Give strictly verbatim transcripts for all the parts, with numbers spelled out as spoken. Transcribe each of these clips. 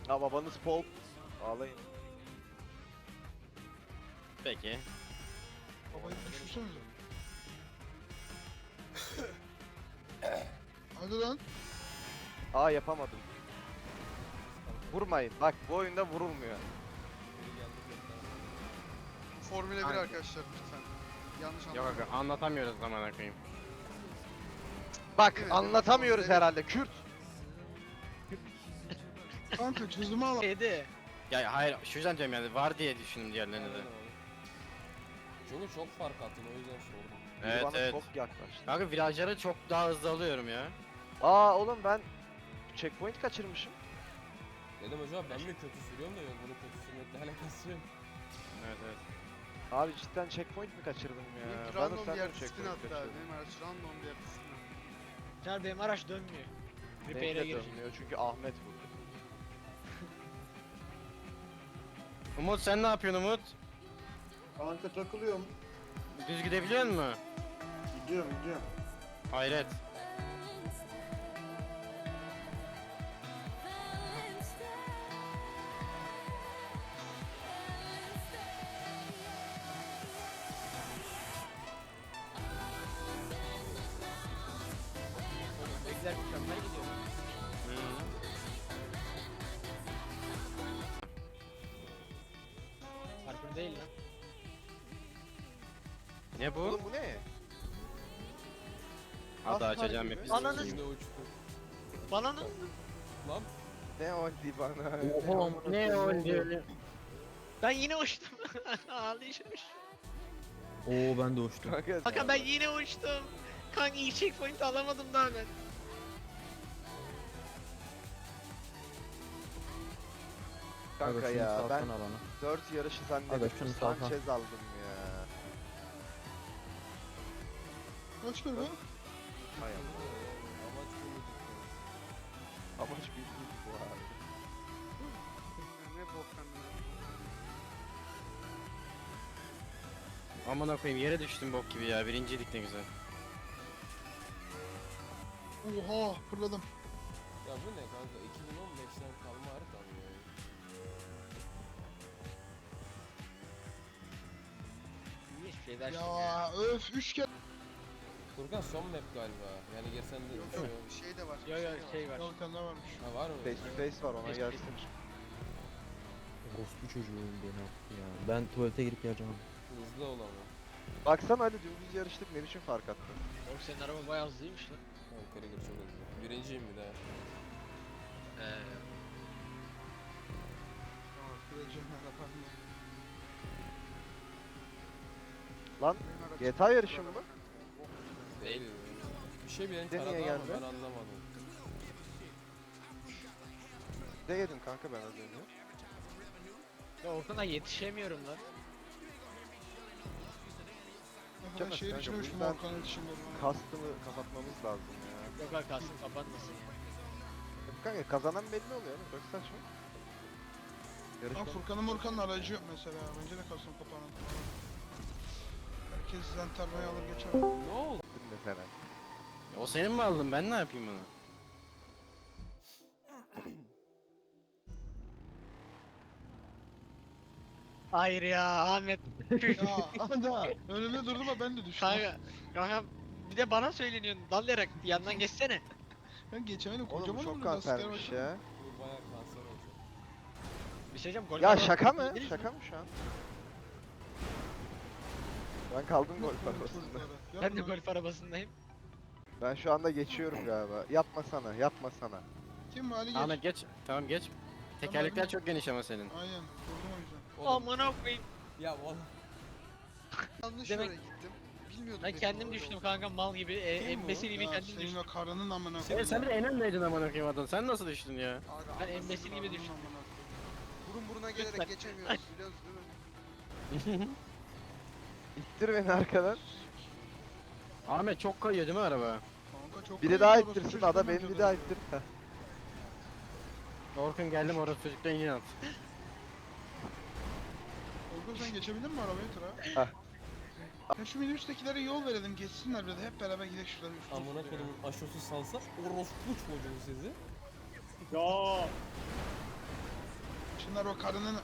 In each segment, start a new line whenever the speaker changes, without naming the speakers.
Ya babanız Paul. Ağlayın.
Peki.
Babayı düşürsenize. Hadi lan.
Aa yapamadım. Vurmayın. Bak bu oyunda vurulmuyor.
Formüle bir
Hangi?
arkadaşlar lütfen. Yanlış
Yok
anlamayın.
aga anlatamıyoruz zaman koyayım.
Bak
Evet,
anlatamıyoruz
evet.
herhalde. Kürt.
Kanka çözümü al.
Şeydi.
Ya hayır şu yüzden diyorum yani var diye düşündüm diğerlerini de.
Çünkü çok fark attın o yüzden sordum.
Biri
Evet
bana
evet.
çok yaklaştı.
Kanka virajları çok daha hızlı alıyorum ya.
Aa oğlum ben checkpoint kaçırmışım.
Dedim acaba ben mi kötü sürüyorum da yok bunun kötü sürmekle alakası yok.
Evet evet.
Abi cidden checkpoint mi kaçırdım ya?
Benim
Ben
random
de
bir
sen
yerde
de
spin
checkpoint
attı abi.
kaçırdın.
Benim araç random bir yerde spin attı.
Caner benim araç dönmüyor.
Benimki
Repair'e
de
girecek.
dönmüyor çünkü Ahmet vurdu.
Umut sen ne yapıyorsun Umut?
Kanka takılıyorum.
Düz gidebiliyor musun?
Gidiyorum gidiyorum.
Hayret.
Bekler mükemmel gidiyor. Parkur değil lan.
Ne bu?
Oğlum bu ne?
Hadi
Aslan
açacağım
gibi.
hep.
Ananı
Şimdi uçtu.
bana ne?
Lan
Ne oldu bana?
Ne oldu?
Ben yine uçtum. Ağlayışım.
Oo ben de uçtum.
Kanka,
Kanka ben yine uçtum. Kanka iyi checkpoint alamadım daha ben.
kanka
Aga şunu
ya ben
salsana bana.
dört yarışı
Aga
zannedip
şunu salsana.
Sanchez aldım ya.
Kaç kere bu?
Hay Allah.
amaç bunu tuttu.
Amaç büyük bu abi.
Ne bok kendine.
Amına koyayım yere düştüm bok gibi ya. Birinciydik ne güzel.
Oha fırladım.
Ya bu ne kanka iki bin on beşten kalma harita mı ya?
İyi hiçbir şey dersin ya.
Ya öf üç kere.
Furkan son map galiba. Yani girsen de
Yok
bir şey
yok
yok.
bir şey de var.
Yo yo şey var.
Yok bir tane daha varmış.
Ha var mı?
Face to face var ona
Face to
gelsin.
Orospu çocuğum beni attı ya. Ben tuvalete girip geleceğim.
Hızlı ol ama.
Baksana Ali dümdüz yarıştık ne biçim fark attın.
Oğlum senin araba bayağı hızlıymış lan.
Tamam Krieger çok hızlı. Birinciyim bir daha.
Eee.
Tamam kıracağım ben yaparım.
Lan
Benim aracım-
G T A yarışı mı bu?
Değil. Bir şey beni
Bir de niye
taradı ama
geldi?
ben anlamadım.
Ne yedim kanka ben az önce?
Ya Orkun'a yetişemiyorum lan.
Ben
Canım,
şey
kanka,
düşünmüştüm
bu yüzden-
Orkan'ın dışında.
Kastımı kapatmamız lazım ya.
Yok arkasını kapatmasın ya.
Yok kanka kazanan belli oluyor oğlum çok saçma.
Ama
Yarışma.
Furkan'ın Murkan'ın aracı yok mesela. Bence de kalsın kapağını. Herkes sizden tarlayı alır geçer.
Ne oldu?
mesela.
O senin mi aldın? Ben ne yapayım bunu?
Hayır ya Ahmet.
Ya anda önümde durdu ama ben de düştüm.
Kanka. Kanka bir de bana söyleniyorsun. Dallayarak yandan geçsene.
Ben geçemedim
Oğlum bu
kocaman
çok
önümde lastikler
kansermiş
var.
ya.
Bu bayağı kanser olacak.
Bir şey diyeceğim. gol
Ya
var.
şaka mı?
Bildiniz
Şaka
mi?
mı şu an? Ben kaldım gol parasında.
Yapma.
Ben de golf arabasındayım.
Ben şu anda geçiyorum galiba. Yapma sana, yapma sana.
Kim bu Ali geç.
Ahmet geç. Tamam geç. Tekerlekler
Tamam.
çok geniş ama senin.
Aynen durdum o yüzden.
Oğlum,
Amına koyayım.
ya oğlum.
Yanlış
Demek-
yere gittim. Bilmiyordum.
Ben
benim
kendim
orada
düştüm
olduğumu.
kanka mal gibi. E,
Kim bu?
embesil gibi
Ya
kendim
senin
düştüm.
o karının amına
Evet
koyayım.
sen bir de enenleydin amına koyayım adın. Sen nasıl düştün ya?
Aga,
Ben
anasını
embesil gibi
karının
düştüm.
amına koyayım. Burun buruna gelerek
Lütfen.
geçemiyoruz biliyoruz değil mi?
İttir beni arkadan.
Ahmet çok kayıyor değil mi araba?
Kanka çok
Biri
kayıyor,
daha
orası
ittirsin,
çocuktan
ada beni
önce
bir
de.
daha ittir. Heh.
Orkun geldim orası çocuktan yine at.
Orkun sen geçebildin mi arabayı tura?
Heh.
Ya şu minibüstekilere yol verelim geçsinler bir de hep beraber gidelim şurada. üstüne
Amına
üstüne ya.
kodumun aşosu salsa orospu çocuğu sizi.
Ya.
Şunlar o karının...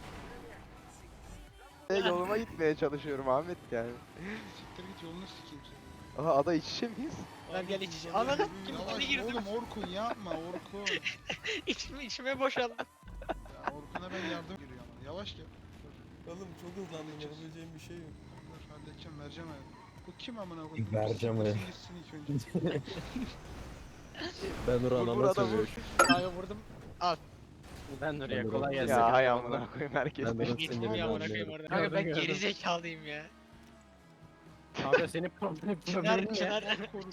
E, yoluma gitmeye çalışıyorum Ahmet yani.
Siktir git yolunu sikeyim seni.
Aha ada iç içe miyiz?
Lan gel iç. Ananı kim
Yavaş
girdim.
oğlum Orkun yapma Orkun.
İçime, içime boşaldı.
Ya Orkun'a ben yardım giriyor ama. Yavaş gel. Dur,
Oğlum çok hızlandım yapabileceğim bir şey yok.
dur halledeceğim vereceğim ayağını. Bu kim amına koyayım?
Vereceğim
Siktirsin
ayağını.
gitsin ilk önce.
Ben
Vur,
Nurhan'a
vur adamı.
sövüyorum.
Kanka vurdum.
Ben oraya
Ben
kolay
de-
gelsin.
Ya hay amına koyayım herkes.
Ben de-
Geçtim ya amına koyayım orada.
Gördüm,
Kanka ben
gördüm.
geri zekalıyım ya.
Abi senin problem-
Çınar
problemin ne?
çınar.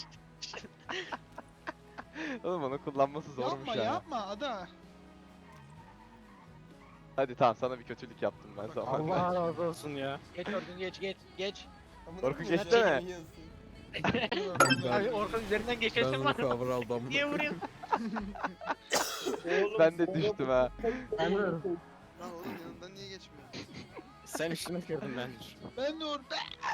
Oğlum onu kullanması zormuş
Yapma
ya.
yapma ada.
Hadi tamam sana bir kötülük yaptım ben
Bak,
zamanında.
Allah razı olsun ya.
Geç Orkun geç geç geç.
Amına
Orkun
koyayım,
geçti
sen
mi?
yiyorsun.
Abi Orkun üzerinden
Ben
geçersin
bunu
var.
cover aldım.
Niye vuruyorsun?
Ben de düştüm ha.
Ben de
Lan oğlum yanından niye geçmiyor?
sen üstüme kırdın ben.
Ben de orada.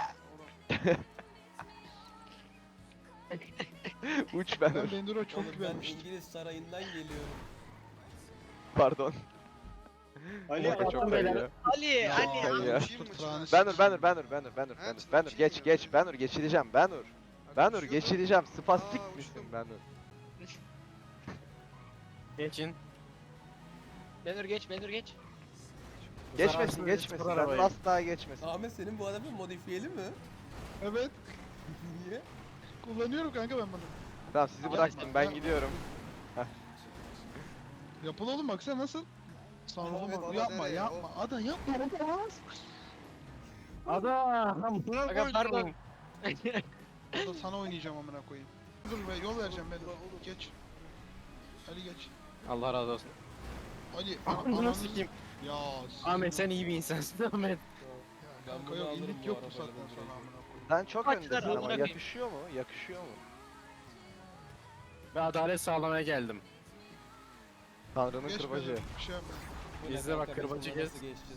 Uç ben
Ben
dur.
Benduro çok
Oğlum ben
güvenmiştim.
İngiliz sarayından geliyorum.
Pardon.
Ali
Orada çok kayıyor.
Ali
Ya,
Ali.
ya.
Ali.
Ya.
Uçayım mı
Fırtınanı
Çınar?
Benur Benur Benur Benur Benur
Ha,
Benur
Çınar,
Benur
uçayım
geç
mı?
geç Benur geçireceğim Benur.
Abi
Benur
uçuyor mu?
geçireceğim spastik
Aa,
misin
uçtum.
Benur?
Geçin.
Benur geç Benur geç.
Geçmesin
Zararsız
geçmesin
spor
Benur
arabayı.
asla geçmesin.
Ahmet senin bu araba modifiyeli mi?
Evet.
Niye?
Kullanıyorum kanka ben bunu.
Tamam sizi
Yapma,
bıraktım ben
yapma.
gidiyorum.
Yapıl oğlum baksana nasıl? Sanrılı
Evet,
mı?
ada
Yapma
nereye?
yapma. Ada yapma.
Ada.
Kanka pardon.
Ada sana oynayacağım amına koyayım. Dur be yol vereceğim ben. Geç. Ali geç.
Allah razı olsun.
Ali
Bunu
ananı
sikeyim.
Ya.
Ahmet sen iyi bir insansın Ahmet.
Ben
Kanka
bunu
yok
alırım
indik
bu
yok bu
arabayla
saatten
direkt.
sonra amına koyayım.
Sen çok
Kaç
öndesin
tane
ama
amına koyayım?
yakışıyor mu? Yakışıyor mu?
Ve adalet sağlamaya geldim.
Tanrı'nın
Geç
kırbacı.
be, bir şey yapma.
Bu ne
İzle bak,
kanka, biz
kırbacı
buna
gez.
nasıl geçeceğiz?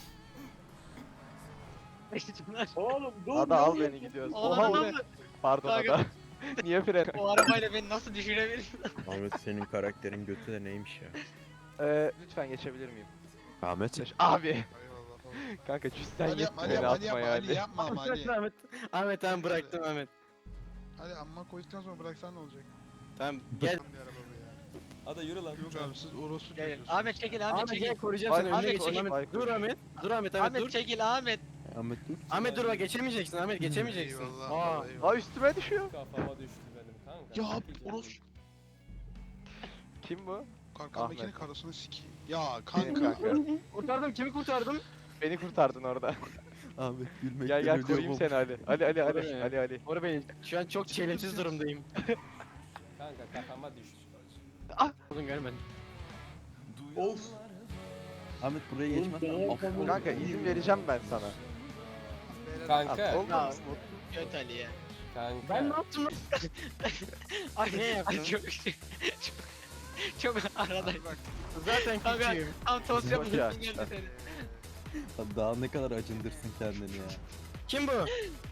Oğlum dur.
Ada al beni gidiyoruz. Oha
Ananı
o ne?
aldı.
Pardon
Kanka.
Ada. Niye fren?
O arabayla beni nasıl düşürebilirsin?
Ahmet senin karakterin götü de neymiş ya?
Ee, lütfen geçebilir miyim?
Ahmet.
Abi.
Eyvallah.
Kanka cüssen
Ali
yetti
yapma Ali
beni
yapma Ali
atma
yapma Ali
yani.
yapma ama Ali.
Ahmet. Ahmet tamam bıraktım Ahmet.
Ali amma koyduktan sonra bıraksan ne olacak?
Tamam gel.
Tam bir araba bu ya.
Ada yürü lan.
Yok abi siz orospu
Gel.
çocuğusun.
Ahmet çekil Ahmet
Ahmet
çekil.
gel koruyacağım seni
Ahmet,
önüne
Ahmet,
geçeyim
Ahmet.
Ahmet. Dur Ahmet. Dur Ahmet Ahmet
Ahmet
dur.
çekil Ahmet.
Ahmet dur.
Ahmet dur bak geçemeyeceksin Ahmet geçemeyeceksin.
Eyvallah.
Aa.
Aa. Eyvallah.
Aa üstüme düşüyor.
Kafama düştü benim kanka.
Ya
Çok iyi
orospu.
canım.
Kim bu?
Arkamdakinin
Ahmet.
karısını sikeyim. Ya
Benim
kanka.
kanka.
Kurtardım kimi kurtardım?
Beni kurtardın orada.
Ahmet gülmekten
Gel gel
ölüyorum
koruyayım
oğlum.
seni Ali. Ali Ali Ali
Oraya.
Ali Ali.
Koru beni. Şu an çok çelimsiz durumdayım.
Kanka kafama düştü.
Oğlum görmedim.
Of.
Ahmet buraya geçmezsen affol.
Kanka izin vereceğim ben sana.
Kanka.
Oldu
Ya,
mu?
Göt Ali ya.
Kanka.
Ben ne yaptım lan?
Ay
Ne yaptın?
Ay, çok çok çok arada.
Bak
Zaten
Kanka
küçüğüm.
tam toz
Çok
yapıyorsun
yaşlı.
geldi seni.
Daha ne kadar acındırsın kendini ya.
Kim bu?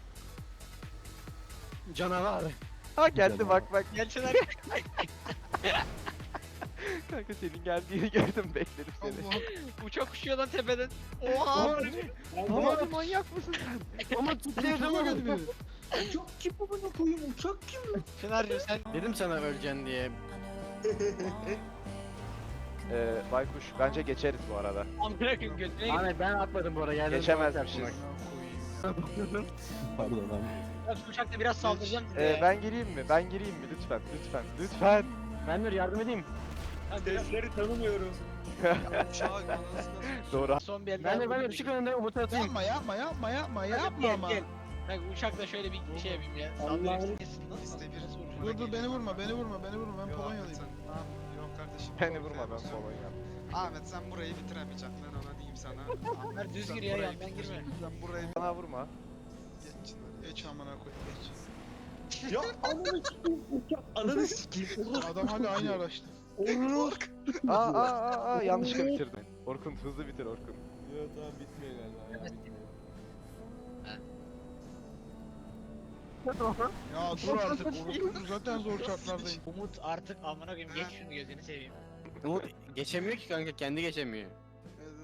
Canavar.
Ha geldi
Güzel
bak bak.
Gel Çınar.
Kanka senin geldiğini gördüm bekledim seni.
Allah.
Uçak uçuyor lan tepeden. Oha.
Tamam manyak mısın sen?
Ama tutuyor
götürüyor.
Çınar'cığım sen
Dedim sana öleceksin diye.
Ee, Baykuş bence geçeriz bu arada.
amına koyayım götüne git.
Ahmet ben atmadım bu arada geldim.
Geçemezmişiz.
Pardon Ahmet.
Ben şu uçakta biraz saldıracağım size.
Ee,
ya.
ben gireyim mi? Ben gireyim mi? Lütfen lütfen lütfen.
Ben dur yardım edeyim.
Sesleri tanımıyorum.
uçağa anasını
Doğru.
Son bir el
Ben
daha
de ben de
vurdum.
ışık önünde Umut'u atayım.
Yapma yapma yapma yapma
Hadi
yapma
gel,
ama.
gel. Bak uçakla şöyle bir şey yapayım ya.
Allah'ım.
Saldırırsın. Nasıl
İste bir
nasıl vuracağım?
Dur dur beni vurma beni vurma beni vurma ben
Yok,
Polonyalıyım.
Ahmet sen- Yok kardeşim.
Beni
yok,
vurma ben
sen-
Polonya.
Ahmet sen burayı bitiremeyeceksin lan ona diyeyim sana.
Ömer düz
Sen
gir ya
burayı
yandan
bitir.
girme.
Sen burayı
Bana vurma.
geç Çınar.
Geç amına koyayım geç.
Ya ananı sikeyim. Uçak ananı sikeyim.
Adam hala aynı araçta.
Olur.
Aa aa aa, aa yanlışlıkla bitirdin. Orkun hızlı bitir Orkun.
Yok tamam bitmiyor galiba ya bitmiyor.
Ya dur artık orospu zaten zor şartlardayım.
Umut artık amına koyayım geç şunu gözünü seveyim.
Umut geçemiyor ki kanka kendi geçemiyor.
Evet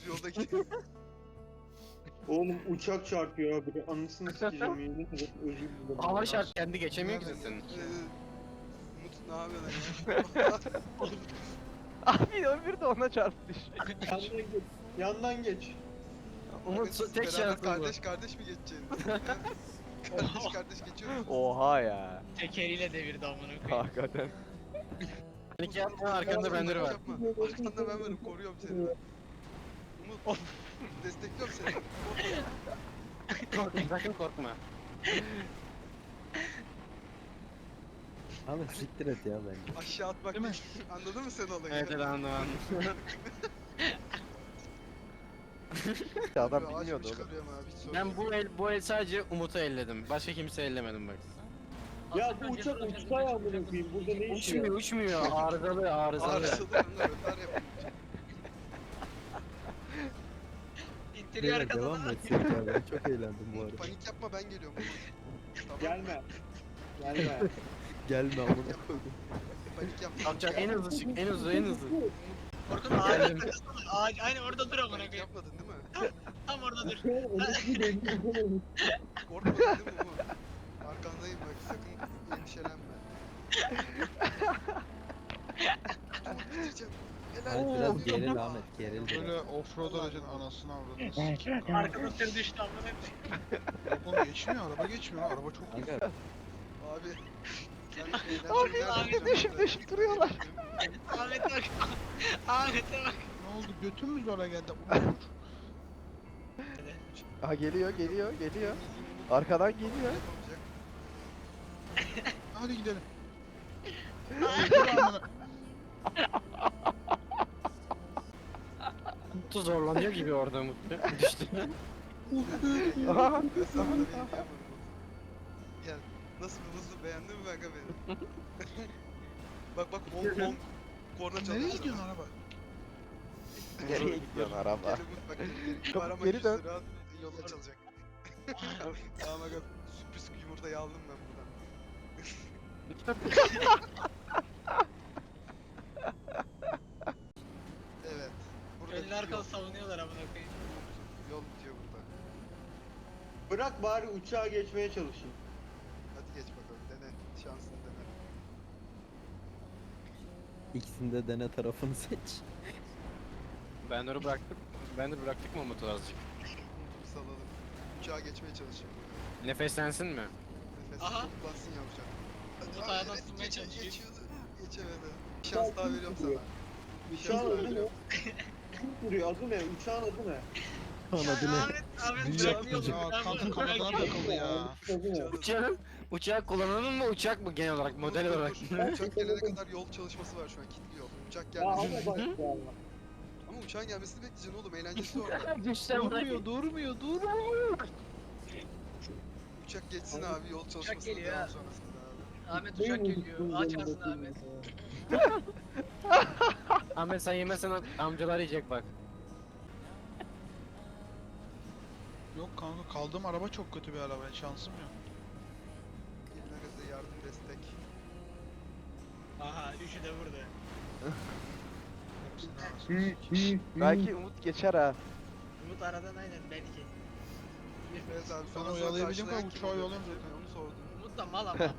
düz yolda gidiyor.
Oğlum uçak çarpıyor abi. Anasını sikeceğim yemin ederim. Özür dilerim.
Hava şart kendi geçemiyor ki senin.
Ee, Umut ne yapıyorsun ya?
Abi öbürü de ona çarpmış.
Yandan geç. Yandan geç.
Umut
Siz
tek
beraber
şansın bu.
Kardeş kardeş mi geçeceksiniz? kardeş kardeş geçiyor musunuz?
Oha ya.
Tekeriyle devirdi amına koyayım.
Hakikaten.
Panik yapma arkanda bendiri var.
Yapma. Arkanda ben varım, koruyorum seni. ben. Umut, destekliyorum seni.
Korkma sakın korkma.
Ahmet siktir et ya bence.
Aşağı atmak
Değil mi?
değil. Anladın mı sen olayı?
Evet evet anladım.
Adam
Ağaç mı
bilmiyordu oğlum.
çıkarıyorum abi, hiç sorun
Ben
yok.
bu el bu el sadece Umut'u elledim. Başka kimse ellemedim bak.
Ya bu uçak uçta ya amına koyayım. Burada ne işi
Uçmuyor
var?
uçmuyor. Arızalı arızalı.
Arsalı yanına rötar yapıyor.
İttiriyor
Beyler devam
arkadan.
mı etsek ya ben çok eğlendim bu arada.
Panik yapma, ben geliyorum. Tamam.
Gelme. Gelme.
Gelme amına koydum.
Panik yapma.
Kalkacak en hızlı çık en hızlı en hızlı.
Orkun ağacın takasana. Ağaç aynı orada dur amına
Panik
koyayım.
yapmadın değil mi?
Tam orada dur.
Korkmadın değil mi Umut? Arkandayım bak, sakın endişelenme. Umut bitireceğim. Helal.
Ahmet biraz geril Ahmet geril.
Böyle offroad aracın anasını avradını sikeyim. kanka.
Arkadan tır düştü amına koyayım.
Yok oğlum geçmiyor, araba geçmiyor. Araba çok iyi.
Kanka
Abi. Sen
Abi,
eğlenceli
abi,
nereden
düşüp
çıktın?
düşüp duruyorlar.
Ahmet'e bak. Ahmet'e bak.
Ne oldu? Götün mü zora geldi?
Aha geliyor geliyor geliyor. Arkadan geliyor.
Yapamayacak.
Hadi gidelim. Dur amına.
Umut'u zorlanıyor gibi orada Umut. Düştü.
Aha.
Ben sana da benim yapmadım. Ya nasıl bir hızlı, beğendin mi kanka beni? bak bak Hong Kong korna çalışıyor.
Nereye gidiyorsun araba?
Nereye gidiyorsun araba?
Gel Umut bak geri geri.
Çabuk
Arama
geri
yüz
dön.
lira yolda çalacak. Tamam aga, sürpriz yumurtayı aldım ben buradan. Evet. Burada
Önlü
bitiyor.
arkalı savunuyorlar amına koyayım.
Yol bitiyor burada.
Bırak bari uçağa geçmeye çalışayım.
Hadi geç bakalım, dene. Şansını dene.
ikisinde dene tarafını seç.
Ben onu bıraktık. Ben de bıraktık mı Umut'u azıcık?
Bir salalım. Uçağa geçmeye çalışayım.
Nefeslensin mi?
Nefes
Aha.
toplansın yavrucak.
Umut
Aa,
ayağına
evet,
ısınmaya
geçe-
çalışıyor.
Geçiyordu. Geçemedi. Bir şans daha veriyorum sana. Bir şans
Uçağın
daha
adı ne?
veriyorum.
Kim vuruyor? Adı ne? Uçağın adı ne?
Adı ne?
Ahmet, Ahmet
Büyük
bırakmıyor.
yapacak.
Ya
Ben
kanka
bunu
kanadına
bırakıyorum.
takıldı ya.
Adı ne?
Uçağın, uçağı kullananın mı uçak mı genel olarak model
Dur, dur,
olarak?
dur. Uçak gelene kadar yol çalışması var şu an, kilitli yol. Uçak
Ya
gelmesi.
ama bak ya.
Ama uçağın gelmesini bekleyeceksin oğlum, eğlencesi orada.
Düşten
Durmuyor, durmuyor, durmuyor.
Uçak geçsin abi, yol çalışmasına
geliyor
devam
ha.
sonrasında abi.
Ahmet uçak geliyor. Aç ağzını Ahmet.
Ahmet sen yemezsen amcalar yiyecek bak.
Yok kanka, kaldığım araba çok kötü bir araba. Şansım yok.
Eline gaza yardım, destek.
Aha üçü de burada.
Hepsinin arasını sikeyim.
Belki Umut geçer ha.
Umut aradan aynen belki.
Evet abi,
Ben
sonra
oyalayabildiğim kadar
karşılayan kim
uçağı
oluyor?
yolladım zaten.
Onu sordum.
Umut da mal ama.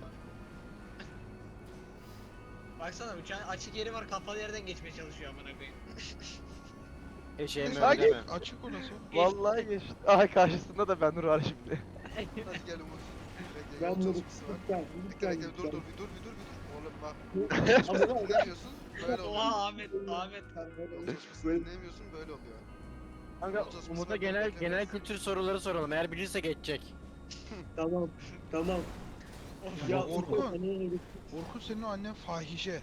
Baksana uçağın açık yeri var, kapalı yerden geçmeye çalışıyor amına koyayım.
Eşeğimi
Hadi.
öyle deme.
Açık orası.
Vallahi geçti. Aha karşısında da Benur var şimdi.
Hadi gel Umut. Bekle,
Ben
yol
bunu
çalışması var.
lütfen,
Bekle
lütfen,
bekle, dur dur bir dur bir dur bir dur. Oğlum bak.
Ama bak,
Dinlemiyorsun, böyle oluyor.
Oha Ahmet, Ahmet.
Yol çalışmasını dinlemiyorsun, böyle oluyor.
Kanka Umut'a genel genel kültür soruları soralım. Eğer bilirse geçecek.
Tamam, tamam.
Ya
Ya
Orkun.
Orkun.
Orkun, senin o annen fahişe.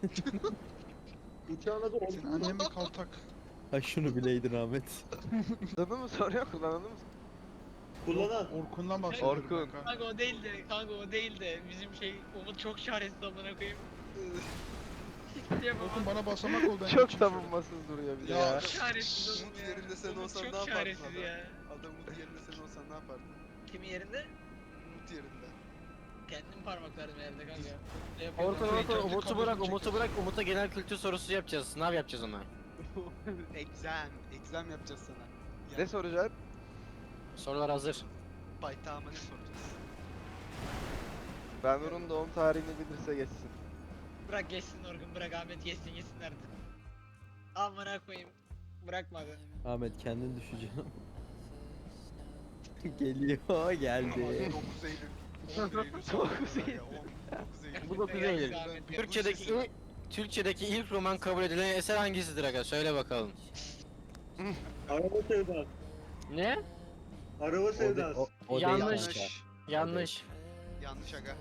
Uçağın adı
Senin
Orkun.
annen bir kaltak.
Ha şunu bileydin Ahmet.
Adını mı soruyor, kullananı mı?
Kullanan.
Orkun'dan bahsediyorum.
Orkun.
kanka.
Kanka o değil de, kanka o değil de bizim şey Umut çok çaresiz amına koyayım. Diyemem
Orkun
ama.
bana basamak ol, ben
Çok
geçeyim
savunmasız duruyor bir de
Ya.
ya.
Çok çaresiz oğlum
Umut
ya.
yerinde sen
Umut
olsan
çok
ne yapardın
çaresiz
adam?
ya.
Adam Umut yerinde sen olsan ne yapardın?
Kimin yerinde?
Umut yerinde.
Kendim parmaklarım herhalde kanka. Ne yapıyorsun?
Orkun
Orkun,
Orkun
kendi
Umut'u
kabuğunu
bırak Umut'u
çekiyorsun.
bırak Umut'a genel kültür sorusu yapacağız. Sınav yapacağız ona.
Exam. Exam yapacağız sana.
Ne soracaksın?
Sorular hazır.
Paytağıma ne soracağız?
Ben Nur'un doğum tarihini bilirse geçsin.
Bırak geçsin Orkun, bırak Ahmet geçsin geçsin artık. Amına koyayım. Bırakmadı.
Ahmet kendin düşeceksin. Geliyor geldi.
dokuz Eylül.
dokuz
Eylül. dokuz Eylül.
Bu dokuz Eylül. Türkçedeki ilk, Türkçedeki ilk roman kabul edilen eser hangisidir aga? Söyle bakalım.
Araba sevdası.
Ne?
Araba
O, de-
sevdası.
o, o değil
Yanlış.
kanka.
Yanlış.
Yanlış aga.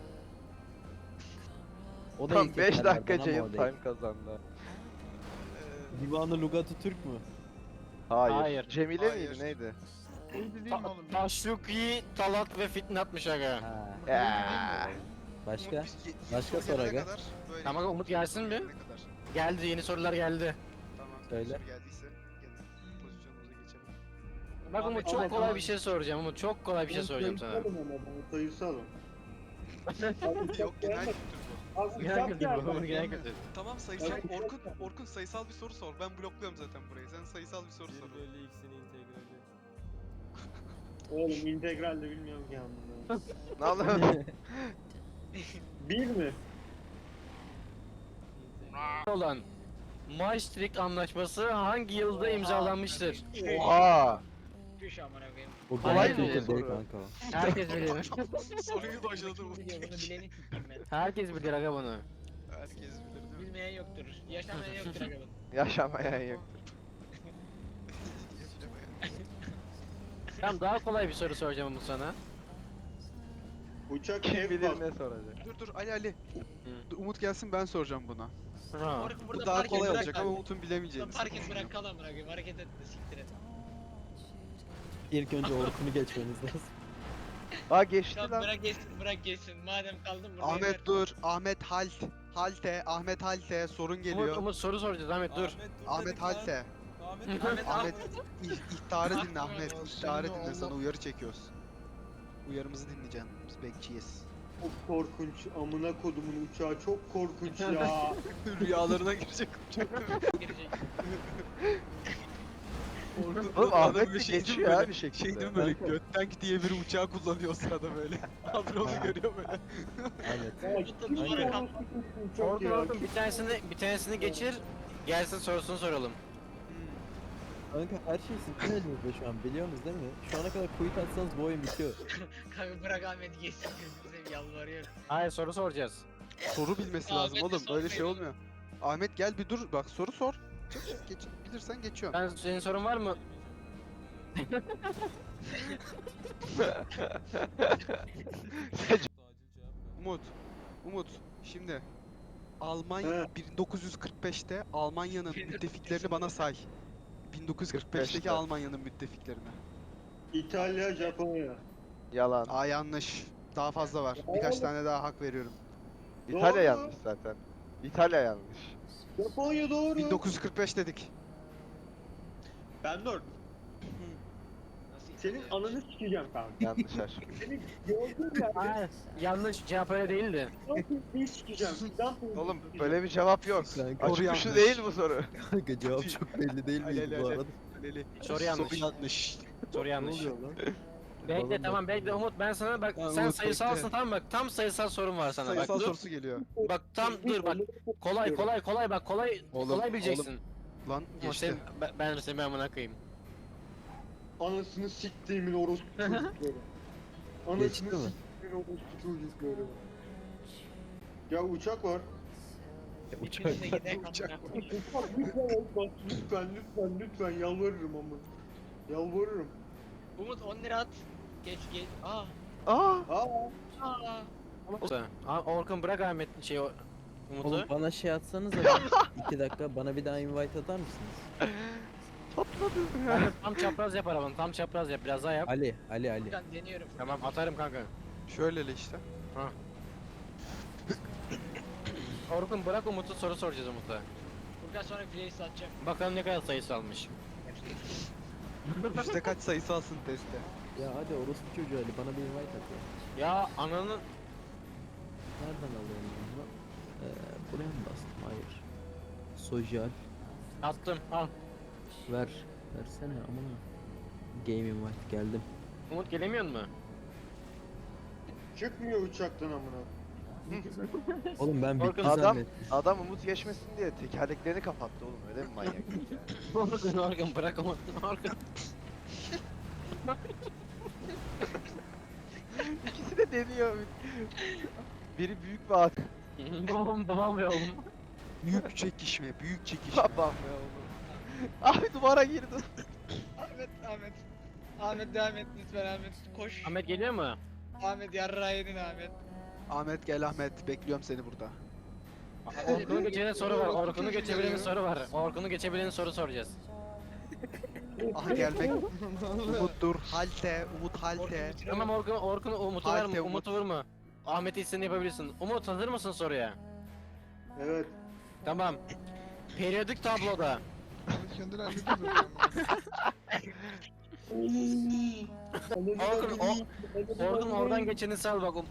O da
Tam
ilk
beş
eserlerden
dakika
ama
Ceyhun
o değil.
time kazandı.
Ee,
Divanı Lugatı Türk mü?
Hayır.
Hayır.
Cemile
Hayır.
miydi neydi?
Neydi değil mi
Ta
oğlum?
Taşluki, Talat ve Fitnatmış aga.
Ha.
Ya.
Başka?
Umut, biz ye- yeni
Başka
soru gelene
soru aga.
kadar böyle
Tamam, Umut gelsin bir.
gelene kadar.
Geldi, yeni sorular geldi.
Tamam.
Söyle.
soru geldiyse gene pozisyonumuza geçelim.
Bak Umut, çok kolay bir şey soracağım Umut. Çok kolay bir şey soracağım sana.
Sayısalım ama bunu sayısalım.
Yok genel kültür bu.
Az
Genel
uçak
kültür
geldi.
bu, genel kültür.
Tamam sayısal.
Evet.
Orkun, Orkun sayısal bir soru sor. Ben blokluyorum zaten burayı. Sen sayısal bir soru
bir
sor.
bölü x'in integrali.
Oğlum integral de bilmiyorum ki amına.
Ne oldu?
Bir mi?
Olan Maastricht Anlaşması hangi yılda imzalanmıştır?
Oha!
Düş amına koyayım.
Bu
Kolay
genel
mı
kültür değil
soru?
kanka o.
Herkes bilir.
Soruyu başladı Umut.
Biliyor, bunu bileni sikeyim ben.
Herkes bilir aga bunu.
Herkes bilir değil mi?
Bilmeyen yoktur. Yaşamayan yoktur aga bunun.
Yaşamayan yok.
Tamam, daha kolay bir soru soracağım Umut sana.
Uçak
Kim
F
bilir
bas.
ne soracak.
Dur dur Ali Ali. Dur, Umut gelsin ben soracağım buna.
Ha.
Orkun burada
Bu daha
park et,
kolay
bırak
olacak
lan.
ama Umut'un
Burada
bilemeyeceğini.
park et, bırak kal amına koyayım. Hareket etme, siktir et.
İlk önce Orkun'u geçmeniz lazım.
Aa geçti
Tamam,
lan.
bırak geçsin, bırak geçsin. Madem kaldın burada.
Ahmet dur. Ahmet Halt. Halte. Ahmet Halte. Sorun
Umut,
geliyor.
Umut soru soracağız Ahmet dur.
Ahmet
dedik lan.
Halte.
Ahmet
Ahmet,
Ahmet ih- ihtarı dinle
Ahmet.
Ahmet. İhtarı dinle sana uyarı çekiyoruz. Uyarımızı dinleyeceksin. Biz bekçiyiz.
Çok korkunç. Amına kodumun uçağı çok korkunç ya.
Rüyalarına girecek.
girecek.
Oğlum Ahmet bir
şey değil mi
geçiyor
böyle?
ya bir şekilde.
Şey değil mi böyle Göttank diye bir uçağı kullanıyor o sırada böyle. Abi onu görüyor böyle.
Ahmet.
Ya
Tutun
kim
duvara
ya?
kal.
Uçak
Orkun
ya.
Orkun bir tanesini bir tanesini geçir. Gelsin sorusunu soralım.
Kanka her şey sizin elinizde şu an biliyorsunuz değil mi? Şu ana kadar quit atsanız bu oyun bitiyor.
Kanka bırak Ahmet geçsin. Bize yalvarıyorum.
Hayır, soru soracağız.
Soru bilmesi
Ahmet'e
lazım oğlum. Öyle şey
sormayalım.
olmuyor. Ahmet gel bir dur. Bak soru sor. Çık, çık, geç, bilirsen geçiyorum.
Ben senin sorun var mı?
Acil cevap ver.
Umut. Umut. Şimdi Almanya
He.
bin dokuz yüz kırk beşte Almanya'nın müttefiklerini bana say. bin dokuz yüz kırk beşteki
beşte.
Almanya'nın müttefiklerini.
İtalya, Japonya.
Yalan.
Aa yanlış. Daha fazla var. Birkaç tane daha hak veriyorum.
İtalya
Doğru.
yanlış zaten. İtalya yanlış.
Japonya doğru.
bin dokuz yüz kırk beş dedik.
Ben doğru.
Nasıl
Senin
İtalya?
ananı sikeceğim kanka.
Yanlış aşk.
Seni gördüğüm yerde
Hayır. Yanlış, cevap öyle değildi.
bir sikeceğim. Sizden
Oğlum böyle bir cevap yok.
Kanka,
Açık
Soru
uçlu
yanlış.
değil bu soru.
kanka cevap çok belli değil
Ali,
miydi
Ali,
bu
Ali.
arada?
Aleli.
Soru yanlış.
Soru yanlış.
Soru
Ne
yanlış.
oluyor lan?
Bekle
Balon
tamam bekle Umut, ben sana bak
Tamam,
sen
Umut,
sayısalsın
bekle.
tamam bak, tam sayısal sorun var sana
Sayısal
bak dur.
sorusu geliyor.
Bak tam dur bak, kolay kolay kolay bak kolay
Oğlum,
kolay bileceksin.
Lan
Ama
geçti.
sen, ben, ben seni amına koyayım.
Anasını siktiğimin orospu çocukları. Anasını
Geçti mi?
siktiğimin orospu çocukları. Ya uçak var.
Uçak.
Hepiniz de gidelim
Uçak.
amına.
Uçak lütfen bak lütfen lütfen lütfen yalvarırım ama. Yalvarırım.
Umut on lira at. Geç geç. Aa.
Aa!
Aa.
Aa.
Aa, Orkun bırak Ahmet şey o Umut'u.
Oğlum bana şey atsanız iki dakika bana bir daha invite atar mısınız?
Ben de tam çapraz yap arabanı, tam çapraz yap, biraz daha yap.
Ali, Ali, Ali.
Furkan deniyorum.
Tamam atarım kanka.
Şöyle işte.
Orkun bırak Umut'u, soru soracağız Umut'a.
Furkan sonra playlist atacağım.
Bakalım ne kadar sayısı almış.
Üste kaç sayısı alsın testte.
Ya hadi orospu çocuğu Ali bana bir invite at ya.
Ya ananın
Nereden alıyorum ben bunu? Ee, buraya mı bastım? Hayır. Social.
Attım al.
Ver. Versene amına. Game invite geldim.
Umut gelemiyor mu?
Çıkmıyor uçaktan amına.
Oğlum ben
Orkun,
bitti
adam-
zannettim.
Adam Umut geçmesin diye tekerleklerini kapattı oğlum, öyle mi manyak?
Orkun Orkun bırak Umut. Orkun.
İkisi de deniyor. Biri büyük bir at.
Babam babam ve oğlum.
Büyük çekişme, büyük çekişme.
Babam ya oğlum. Abi duvara girdi.
Ahmet, Ahmet. Ahmet devam et lütfen Ahmet. Koş.
Ahmet geliyor mu?
Ahmet yarrağı yedin Ahmet.
Ahmet gel Ahmet, bekliyorum seni burada.
Orkun'u geçebilen soru var. Orkun'u geçebilenin soru var. Orkun'u geçebilenin soru soracağız.
Aha gelmek. Umut dur, halte, Umut halte.
Tamam Orkun, Orkun Umut'u
Halte,
ver,
Umut.
Umut'u vurma. Ahmet'i istediğini yapabilirsin. Umut hazır mısın soruya?
Evet.
Tamam. Periyodik tabloda
Ahmet kendini hallediyor zaten.
Orkun, o, Orkun oradan geçeni sal bak.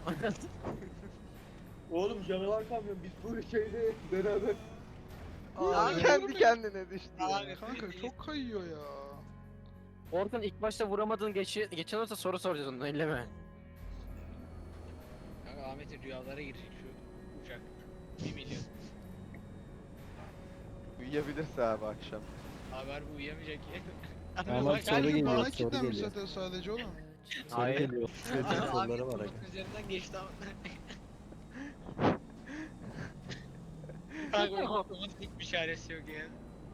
Oğlum canavar kamyon biz bu şeyde beraber.
Abi kendi kendine düştü ya.
Ahmet.
Kanka çok kayıyor ya.
Orkun ilk başta vuramadığın geçi, geçen olursa soru soracağız onu elleme.
Kanka Ahmet'in rüyalara girecek şu uçak. bir milyon.
Uyuyabilirse abi akşam.
Abi harbi uyuyamayacak ki.
Tamam,
Bak,
soru
harbi
geliyor.
Bana
soru
kilitlenmiş
geliyor.
zaten sadece oğlum.
Soru
Hayır.
geliyor. Kötü
Ahmet
soruları var. aga.
Umut'un üzerinden geçti ama. Kanka Umut, Umut hiçbir çaresi yok ya.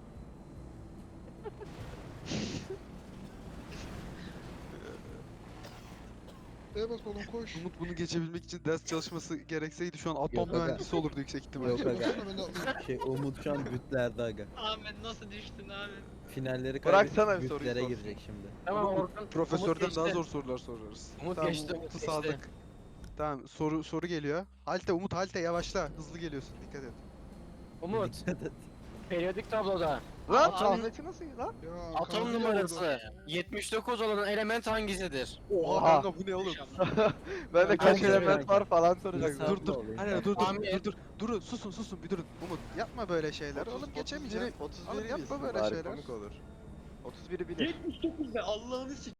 E bas oğlum koş.
Umut bunu geçebilmek için ders çalışması gerekseydi şu an atom
Yok aga.
mühendisi olurdu yüksek ihtimalle.
Yok aga.
Baksana ben de atlayayım.
Şey Umut şu an bütlerde aga.
Ahmet nasıl düştün Ahmet?
Finalleri
Bıraksana
kaybedip
bir soruyu
bütlere
sorsun.
girecek şimdi.
Tamam
Umut,
Orkun.
Profesörden
Umut
daha
geçti.
zor sorular sorarız.
Umut
tamam,
geçti, Umut
Umut'u
geçti.
saldık. Tamam soru soru geliyor. Halte Umut halte yavaşla. Hızlı geliyorsun dikkat et.
Umut.
Dikkat et.
Periyodik tabloda
Lan
Atom-
Ahmet'i nasıl lan?
Ya,
atom
kanka,
numarası yetmiş dokuz olan element hangisidir?
Oha
Oha.
kanka bu ne oğlum?
Ben de
Ben
kaç
de
element
kanka.
var falan soracaktım.
İnsan-
Dur dur.
olayım.
Hayır dur dur
Ahmet.
dur dur. Durun susun susun bir durun. Umut yapma böyle şeyler. Oğlum geçemeyeceğim.
otuz
Oğlum
biri
yapma
bilsin
böyle
bari,
şeyler.
komik olur. otuz biri bilir.
yetmiş dokuz be Allah'ını sik.